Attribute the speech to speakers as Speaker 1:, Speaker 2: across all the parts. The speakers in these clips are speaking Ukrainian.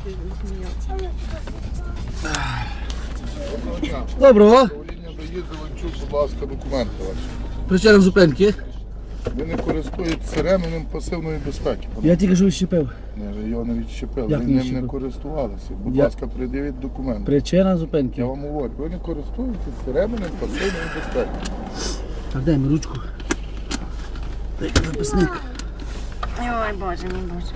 Speaker 1: Доброго.
Speaker 2: Управління доїзду, Зеленчук, будь ласка, документи ваші.
Speaker 1: Причина зупинки.
Speaker 2: Ви не користуєтеся ременем пасивної безпеки.
Speaker 1: Я тільки що відщепив.
Speaker 2: Ні, ви його не відщепили,
Speaker 1: Як
Speaker 2: ви
Speaker 1: не
Speaker 2: ним не
Speaker 1: відщепив?
Speaker 2: користувалися. Будь
Speaker 1: Я-
Speaker 2: ласка, пред'явіть документи.
Speaker 1: Причина
Speaker 2: Я
Speaker 1: зупинки.
Speaker 2: вам говорю, ви не користуєтеся ременем пасивної безпеки.
Speaker 1: Так, дай мені ручку. Дай записник.
Speaker 3: Ой, Боже мій Боже.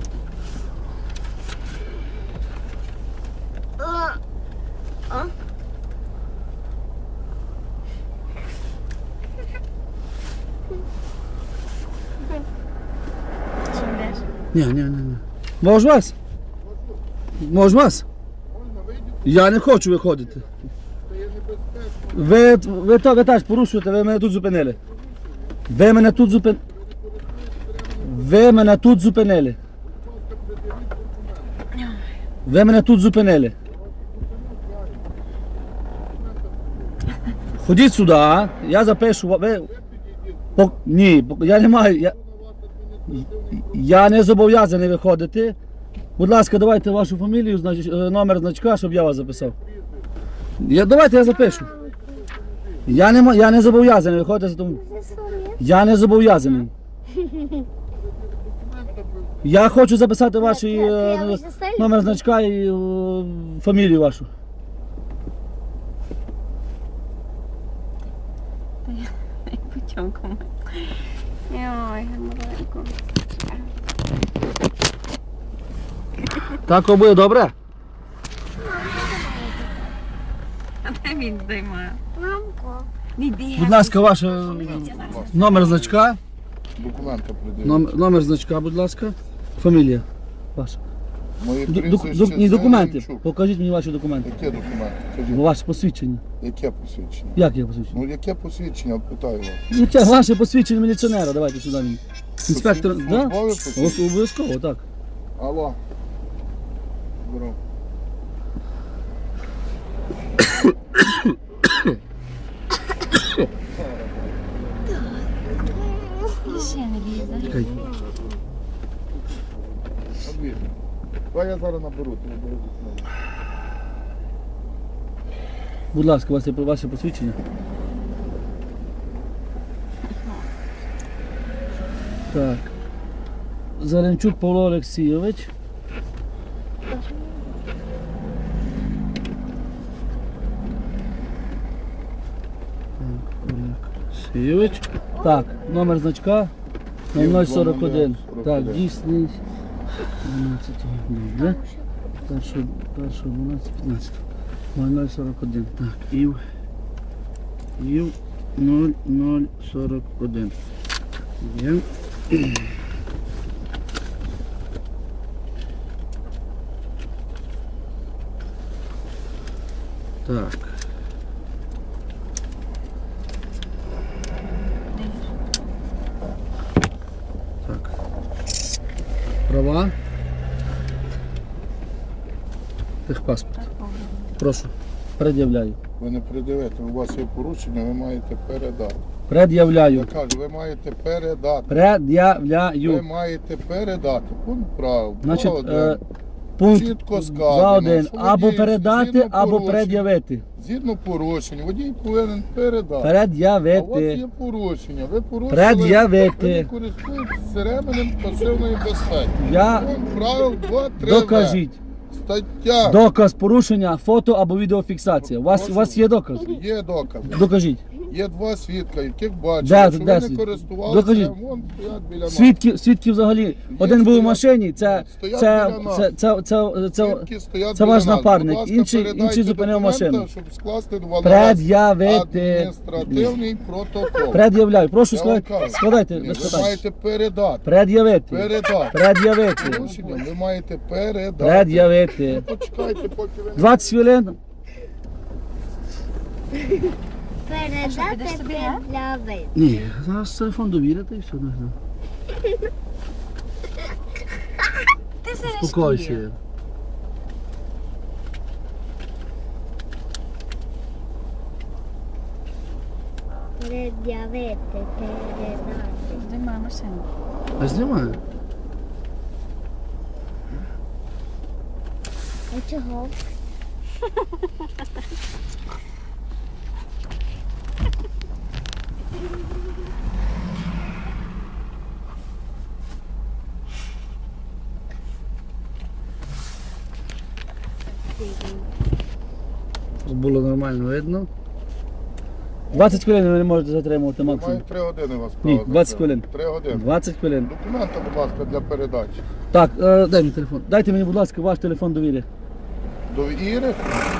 Speaker 3: Чи йдеш?
Speaker 1: Ні. Мож вас? Мож вас?
Speaker 2: Можна, вийдіть,
Speaker 1: Я не хочу виходити.
Speaker 2: це є небезпечно.
Speaker 1: Ви теж порушуєте, ви мене тут зупинили. Ви мене тут зупинили. Ви мене тут зупинили. Ви мене тут зупинили. Ходіть сюди, а? Я запишу. Ви... Ні, я не маю. Я не зобов'язаний виходити. Будь ласка, давайте вашу фамілію, номер значка, щоб я вас записав. Давайте я запишу. Я не зобов'язаний виходити. Тому... Я не зобов'язаний. Я хочу записати ваш номер значка і фамілію вашу.
Speaker 3: Путьонку. Ой, маленько.
Speaker 1: Так буде добре?
Speaker 3: А де він здіймає? Мамко. Іди.
Speaker 1: Будь ласка, ваш номер значка.
Speaker 2: Документи пред'явіть.
Speaker 1: Номер значка, будь ласка. Фамілія ваша.
Speaker 2: Моє прізвище
Speaker 1: Ні, документи.
Speaker 2: Зеленчук.
Speaker 1: Покажіть мені ваші документи.
Speaker 2: Яке документи? Кажіть.
Speaker 1: Ваше посвідчення.
Speaker 2: Яке посвідчення?
Speaker 1: Як є посвідчення?
Speaker 2: Ну яке посвідчення, питаю вас.
Speaker 1: Яке ваше посвідчення міліціонера? Давайте сюди мені. Інспектор, да?
Speaker 2: Службове посвідчення?
Speaker 1: Обов'язково, так.
Speaker 2: Алло. Здорово.
Speaker 3: Ще не лізе.
Speaker 1: Чекай.
Speaker 2: Подвір'я. Давай я зараз наберу, ти наберу документи.
Speaker 1: Будь ласка, у вас є ваше посвідчення. Так. Зеленчук Павло Олексійович. Олексійович. Так, номер значка 0041. Так, дійсний. 12. Добре. Першого 12, 15. 0041. Так, ІВ 0041. Є. Так. Так. Права. Техпаспорт. Прошу. Пред'являю.
Speaker 2: Ви не придивите, у вас є порушення, ви маєте передати.
Speaker 1: Пред'являю.
Speaker 2: Я кажу, ви маєте передати. Ви
Speaker 1: Пред'являю.
Speaker 2: маєте передати. Пункт прав.
Speaker 1: Значить,
Speaker 2: Один.
Speaker 1: пункт
Speaker 2: Чітко сказано,
Speaker 1: 2.1.
Speaker 2: що
Speaker 1: Або
Speaker 2: водій
Speaker 1: передати,
Speaker 2: згідно
Speaker 1: або
Speaker 2: порушень.
Speaker 1: пред'явити.
Speaker 2: Згідно порушень, водій повинен передати. А у вас
Speaker 1: Пред'явити.
Speaker 2: є порушення. Ви порушили,
Speaker 1: Пред'явити.
Speaker 2: ви не користуєтеся ременем пасивної безпеки.
Speaker 1: Я
Speaker 2: Пункт правил 2.3.
Speaker 1: докажіть.
Speaker 2: Стаття.
Speaker 1: Доказ порушення, фото або відеофіксація. У вас є доказ?
Speaker 2: Є докази.
Speaker 1: Докажіть.
Speaker 2: Є два свідка, яких бачили,
Speaker 1: Де-
Speaker 2: що
Speaker 1: де
Speaker 2: ви не
Speaker 1: свідки?
Speaker 2: користувалися,
Speaker 1: Докажіть.
Speaker 2: вон стоять біля нас.
Speaker 1: Свідків взагалі. Один був у машині, це
Speaker 2: Стоять біля нас. Свідки стоять
Speaker 1: це
Speaker 2: біля
Speaker 1: ваш
Speaker 2: нас.
Speaker 1: напарник.
Speaker 2: Будь ласка,
Speaker 1: Інший
Speaker 2: передайте
Speaker 1: зупинив
Speaker 2: документи,
Speaker 1: машину.
Speaker 2: щоб скласти на вас
Speaker 1: Пред'явити.
Speaker 2: адміністративний протокол.
Speaker 1: Пред'являю. Прошу
Speaker 2: Я вам кажу.
Speaker 1: складайте.
Speaker 2: Ні,
Speaker 1: без
Speaker 2: ви
Speaker 1: питань.
Speaker 2: маєте передати.
Speaker 1: Пред'явити.
Speaker 2: Передати.
Speaker 1: Пред'явити.
Speaker 2: Порушення ви маєте передати.
Speaker 1: Пред'явити.
Speaker 2: Почекайте, поки ви...
Speaker 1: 20 хвилин.
Speaker 3: Підеш собі, а?
Speaker 4: Пред'явити.
Speaker 1: Ні, зараз телефон довірити і все.
Speaker 3: Ти сидиш.
Speaker 1: Спокойся.
Speaker 4: Пред'явити, передати.
Speaker 3: Здіймай машину.
Speaker 1: А знімаю.
Speaker 4: А чого?
Speaker 1: Щоб було нормально видно. 20 хвилин ви не можете затримувати
Speaker 2: Маю
Speaker 1: максимум.
Speaker 2: 3 години вас
Speaker 1: Ні,
Speaker 2: право
Speaker 1: 20
Speaker 2: затримати.
Speaker 1: хвилин.
Speaker 2: 3 години.
Speaker 1: 20 хвилин.
Speaker 2: Документи, будь ласка, для передачі.
Speaker 1: Так, дай мені телефон. Дайте мені, будь ласка, ваш телефон довіри.
Speaker 2: Довіри?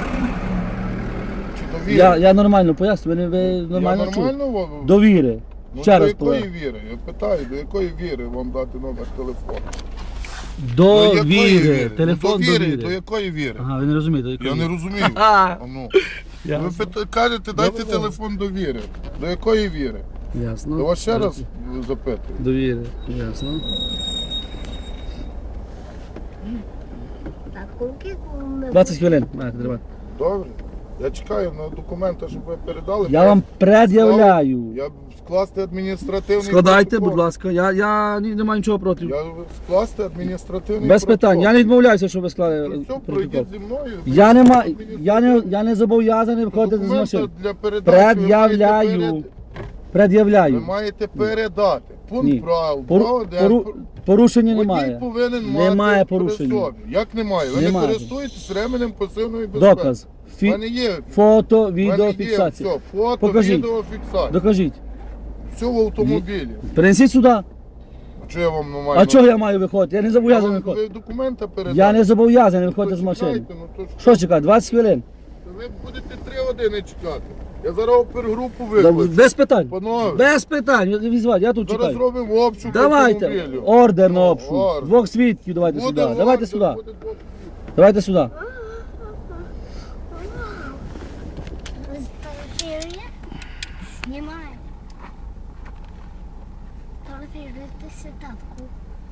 Speaker 2: Чи довіри?
Speaker 1: Я нормально поясню, ви нормально
Speaker 2: Я
Speaker 1: чуєте.
Speaker 2: нормально?
Speaker 1: Довіри.
Speaker 2: Ну,
Speaker 1: Ще
Speaker 2: до
Speaker 1: раз
Speaker 2: якої
Speaker 1: повторю.
Speaker 2: віри? Я питаю, до якої віри вам дати номер телефону?
Speaker 1: Довіри. Телефон
Speaker 2: До
Speaker 1: довіри.
Speaker 2: якої віри?
Speaker 1: Ага, ви не розумієте. до якої
Speaker 2: Я не
Speaker 1: віри.
Speaker 2: розумію.
Speaker 1: Ага.
Speaker 2: А ну.
Speaker 1: Ясно.
Speaker 2: Ви кажете, дайте
Speaker 1: Добре.
Speaker 2: телефон довіри. До якої віри?
Speaker 1: Ясно.
Speaker 2: Я вас ще раз запитую.
Speaker 1: Довіри. Ясно.
Speaker 4: Так, куки ми
Speaker 1: 20 хвилин. Маєте, тримати.
Speaker 2: Добре? Я чекаю на документи, щоб ви передали.
Speaker 1: Я вам пред'являю.
Speaker 2: Я скласти адміністративний
Speaker 1: Складайте,
Speaker 2: протокол.
Speaker 1: будь ласка. Я не маю нічого проти.
Speaker 2: Я скласти адміністративний
Speaker 1: Без
Speaker 2: протокол.
Speaker 1: питань. Я не відмовляюся, щоб ви склали
Speaker 2: Ну, все,
Speaker 1: протокол.
Speaker 2: пройдіть зі мною.
Speaker 1: Я не зобов'язаний виходити з
Speaker 2: Документи
Speaker 1: машини.
Speaker 2: для передачі
Speaker 1: Пред'являю.
Speaker 2: ви
Speaker 1: Пред'являю.
Speaker 2: маєте передати. Пункт
Speaker 1: Ні.
Speaker 2: правил.
Speaker 1: Порушення
Speaker 2: Водій
Speaker 1: немає.
Speaker 2: повинен
Speaker 1: Немає
Speaker 2: мати
Speaker 1: порушення.
Speaker 2: при собі. Як немає? Ви
Speaker 1: Немає.
Speaker 2: не користуєтесь ременем пасивної безпеки.
Speaker 1: Доказ.
Speaker 2: У мене є.
Speaker 1: Фото,
Speaker 2: в мене є
Speaker 1: відеофіксація.
Speaker 2: все. Фото,
Speaker 1: Покажіть.
Speaker 2: відеофіксація.
Speaker 1: Докажіть.
Speaker 2: Все в автомобілі.
Speaker 1: Принесіть сюди.
Speaker 2: А що я вам не маю?
Speaker 1: А чого я маю виходити? Я не зобов'язаний
Speaker 2: Ви
Speaker 1: виходити.
Speaker 2: документи передати?
Speaker 1: Я не зобов'язаний виходити з машини.
Speaker 2: Почекайте, ну, то
Speaker 1: Що чекати? 20 хвилин?
Speaker 2: Ви будете 3 години чекати. Я зараз опергрупу викличу.
Speaker 1: Без питань.
Speaker 2: Панове.
Speaker 1: Без питань. Візвати, я тут
Speaker 2: Зараз
Speaker 1: чекаю.
Speaker 2: зробимо обшук
Speaker 1: Давайте.
Speaker 2: автомобілю.
Speaker 1: Ордер на обшук.
Speaker 2: Ордер.
Speaker 1: Двох свідків давайте
Speaker 2: Буде
Speaker 1: сюди.
Speaker 2: ордер,
Speaker 1: Давайте сюди.
Speaker 2: буде двох.
Speaker 1: Давайте сюди.
Speaker 4: Фотографирує? Знімає. Фотографирує сітатку.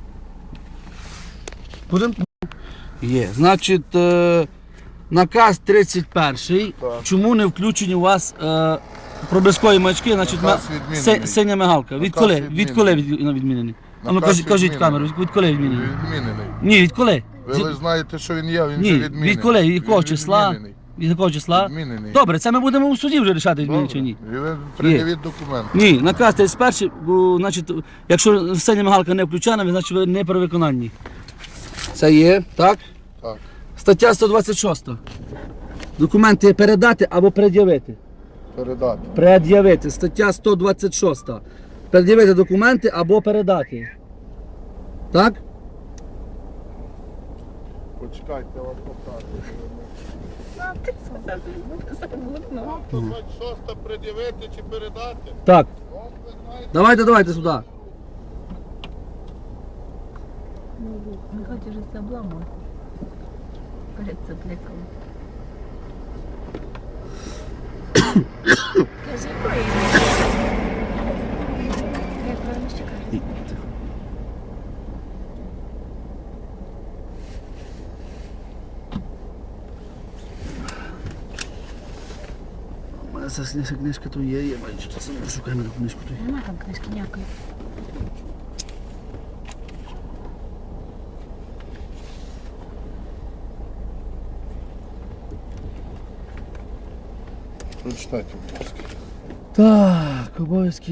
Speaker 1: Будемо? Є. Значить, наказ 31.
Speaker 2: Так.
Speaker 1: Чому не включені у вас проблискові маячки? Значить,
Speaker 2: Наказ відмінений.
Speaker 1: синя мигалка.
Speaker 2: Наказ
Speaker 1: Відколи?
Speaker 2: відмінений.
Speaker 1: Відколи відмінений? А ну
Speaker 2: Наказ
Speaker 1: кажіть в
Speaker 2: відмінений.
Speaker 1: камеру, відколи відмінений?
Speaker 2: Відмінений.
Speaker 1: Ні, відколи?
Speaker 2: Ви лише знаєте, що він є, він
Speaker 1: Ні,
Speaker 2: вже відмінений.
Speaker 1: відколи? Від якого
Speaker 2: Він
Speaker 1: числа?
Speaker 2: відмінений.
Speaker 1: Від якого числа?
Speaker 2: Відмінений.
Speaker 1: Добре, це ми будемо у суді вже рішати, відмінити чи ні.
Speaker 2: І ви пред'явіть документи.
Speaker 1: Ні, наказ 31, бо, значить, якщо синя мигалка не включена, значить ви не при виконанні. Це є, так?
Speaker 2: Так.
Speaker 1: Стаття 126. Документи передати або пред'явити.
Speaker 2: Передати.
Speaker 1: Пред'явити. Стаття 126. Пред'явити документи або передати. Так?
Speaker 2: Почекайте, я вам покажу.
Speaker 3: Ти сказав, що буде забутно.
Speaker 2: 126 пред'явити чи передати?
Speaker 1: Так.
Speaker 2: Ну, ви знаєте,
Speaker 1: Давайте сюди.
Speaker 3: Не хочеш це обламати. Перед цепликом. Кажи, поїдемо. Як правильно ще кажуть?
Speaker 1: У мене ця книжка тут є, я бачу, що це шукаємо на книжку тут.
Speaker 3: Нема там книжки ніякої.
Speaker 2: прочитайте, будь ласка.
Speaker 1: Так, обов'язки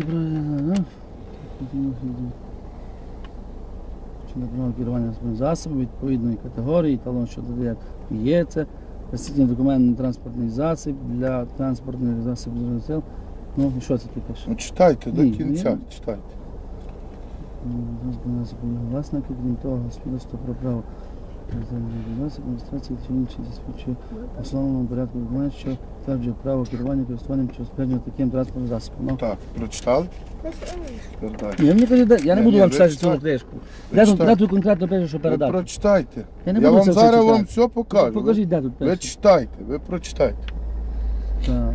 Speaker 1: чи на право керування засобу відповідної категорії, талон, що додає є це, присутній документ на транспортний засіб для транспортних засобів сил. Ну і що це ти пише?
Speaker 2: Ну читайте до
Speaker 1: Ні,
Speaker 2: кінця,
Speaker 1: ні.
Speaker 2: читайте.
Speaker 1: Транспортний засіб його власники, крім того, свідоцтво про право засіб адміністрації чи інші засвідчує в основному порядку документ, що стверджує право керування користуванням чи розпорядження таким транспортним засобом. Ну,
Speaker 2: Так, прочитали? Передайте.
Speaker 1: ні, мені кажуть, я не
Speaker 2: Ні,
Speaker 1: буду
Speaker 2: ні,
Speaker 1: вам
Speaker 2: ви
Speaker 1: читати цю
Speaker 2: читайте.
Speaker 1: книжку.
Speaker 2: Ви
Speaker 1: Де
Speaker 2: читайте.
Speaker 1: тут конкретно пише, що
Speaker 2: Ви
Speaker 1: передати?
Speaker 2: прочитайте.
Speaker 1: Я не
Speaker 2: Я
Speaker 1: буду
Speaker 2: вам
Speaker 1: це все
Speaker 2: зараз
Speaker 1: читати.
Speaker 2: вам все покажу.
Speaker 1: Покажіть, де тут
Speaker 2: Ви
Speaker 1: пише.
Speaker 2: читайте, ви прочитайте.
Speaker 1: Так,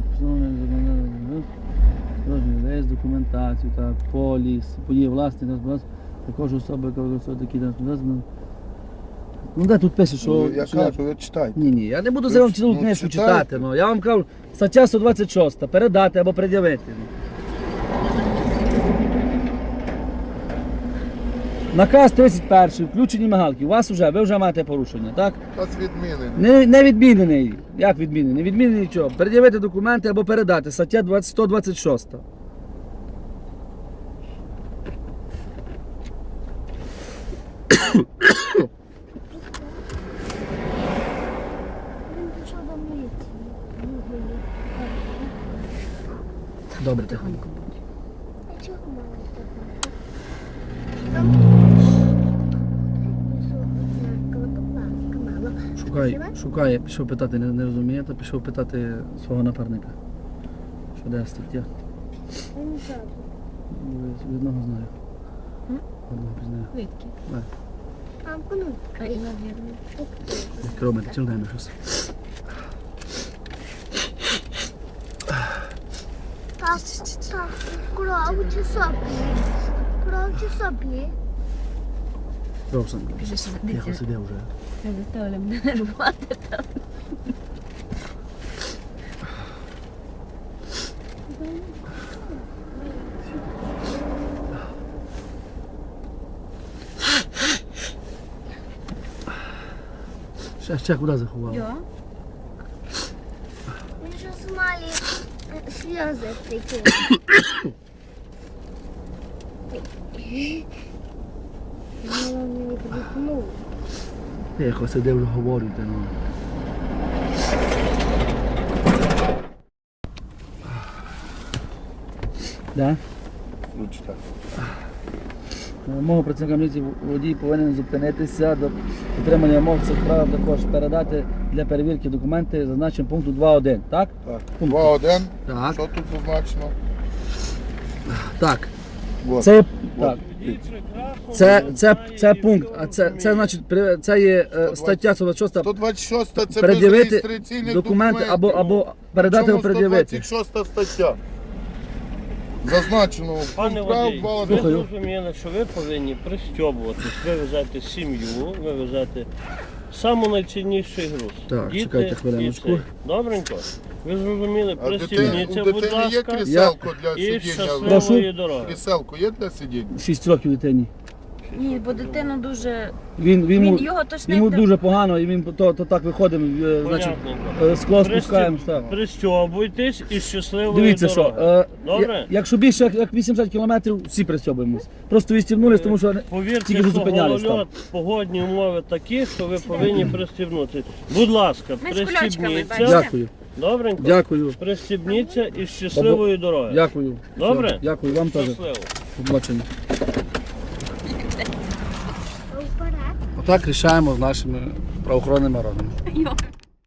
Speaker 1: весь документацію, так, поліс, події власник, також особи, яка використовує такі транспортні. Ну де тут пише, що...
Speaker 2: Я
Speaker 1: що
Speaker 2: кажу, ви читайте.
Speaker 1: Ні, я не буду
Speaker 2: Ви
Speaker 1: за вам
Speaker 2: ч-
Speaker 1: цілу
Speaker 2: ну,
Speaker 1: книжку
Speaker 2: читайте.
Speaker 1: читати. Ну. Я вам кажу, стаття 126, передати або пред'явити. Наказ 31, включені мигалки. У вас ви вже маєте порушення, так?
Speaker 2: Та з відміни.
Speaker 1: Не відмінений. Як відмінений? Не відмінений нічого. Пред'явити документи або передати. Стаття 126.
Speaker 4: Він пішов до міліції.
Speaker 1: Добре, тихо.
Speaker 4: А чого мало такого?
Speaker 1: Шукає, пішов питати, не розуміє, то пішов питати свого напарника. Що де стаття? Від одного знаю. Одного пізнаю.
Speaker 3: Звідки?
Speaker 4: Мамку, ну,
Speaker 3: Ай, навірно.
Speaker 1: Кроме, ти чим дай мені щось?
Speaker 4: Так, кров чи соплі? Кров чи соплі?
Speaker 1: Робсон.
Speaker 3: Біжи сюди,
Speaker 1: Тихо,
Speaker 3: дитя.
Speaker 1: сиди вже.
Speaker 3: Я заставила мене нервувати там.
Speaker 1: Ще куди заховав?
Speaker 3: Йо.
Speaker 4: Він же з малі сльози такі. Я не відгукнув.
Speaker 1: Тихо, сиди вже говорю, ти ну. Да?
Speaker 2: Ручка.
Speaker 1: Мого працівника міліції водій повинен зупинитися до отримання умов цих прав, також передати для перевірки документи, зазначені пункту 2.1, так?
Speaker 2: Так.
Speaker 1: Пункт.
Speaker 2: 2-1.
Speaker 1: Так.
Speaker 2: Що тут зазначено?
Speaker 1: Так.
Speaker 2: Вот.
Speaker 1: Це,
Speaker 2: Вот.
Speaker 1: так. Це пункт, а це значить, це є стаття 126,
Speaker 2: 126 це без
Speaker 1: пред'явити
Speaker 2: реєстраційних
Speaker 1: документи
Speaker 2: документів.
Speaker 1: або передати
Speaker 2: Чому
Speaker 1: або пред'явити.
Speaker 2: 126 стаття. Зазначено.
Speaker 5: Пане
Speaker 2: Прав
Speaker 5: водій,
Speaker 2: 2-1.
Speaker 5: ви
Speaker 1: Слухаю.
Speaker 5: зрозуміли, що ви повинні пристьобуватись, ви везете сім'ю, ви везете саму найцінніший груз.
Speaker 1: Так,
Speaker 5: Діти
Speaker 1: чекайте
Speaker 5: і
Speaker 1: хвилиночку.
Speaker 5: цей. Добренько? Ви зрозуміли,
Speaker 2: А у
Speaker 5: пристібніться, будь
Speaker 2: дитини є
Speaker 5: ласка,
Speaker 2: кріселко для
Speaker 5: і
Speaker 2: сидіння?
Speaker 5: щасливої дороги.
Speaker 2: Кріселко є для сидіння?
Speaker 1: 6 років дитині.
Speaker 3: Ні, бо дитина дуже...
Speaker 1: Він
Speaker 3: Його точно
Speaker 1: йому
Speaker 3: не-
Speaker 1: дуже погано, і він то так виходимо, значить,
Speaker 5: Понятненько.
Speaker 1: скло спускаємо. Так.
Speaker 5: Пристьобуйтесь і щасливої
Speaker 1: Дивіться,
Speaker 5: дороги.
Speaker 1: що
Speaker 5: Добре?
Speaker 1: якщо більше як 80 кілометрів, всі пристьобуємось. Просто відстібнулись, тому що
Speaker 5: Повірте,
Speaker 1: тільки що
Speaker 5: що
Speaker 1: зупинялись там.
Speaker 5: голольот, погодні умови такі, що ви повинні пристібнутися. Будь ласка,
Speaker 3: Ми з кульочками,
Speaker 5: пристібніться.
Speaker 3: бачите?
Speaker 1: Дякую,
Speaker 5: Добренько?
Speaker 1: дякую,
Speaker 5: Пристібніться і щасливої дороги.
Speaker 1: дякую.
Speaker 5: Добре?
Speaker 1: Все, дякую вам теж.
Speaker 5: Щасливо.
Speaker 1: Побачення.
Speaker 4: Вперед.
Speaker 1: Отак рішаємо з нашими правоохоронними органами.
Speaker 3: Йо.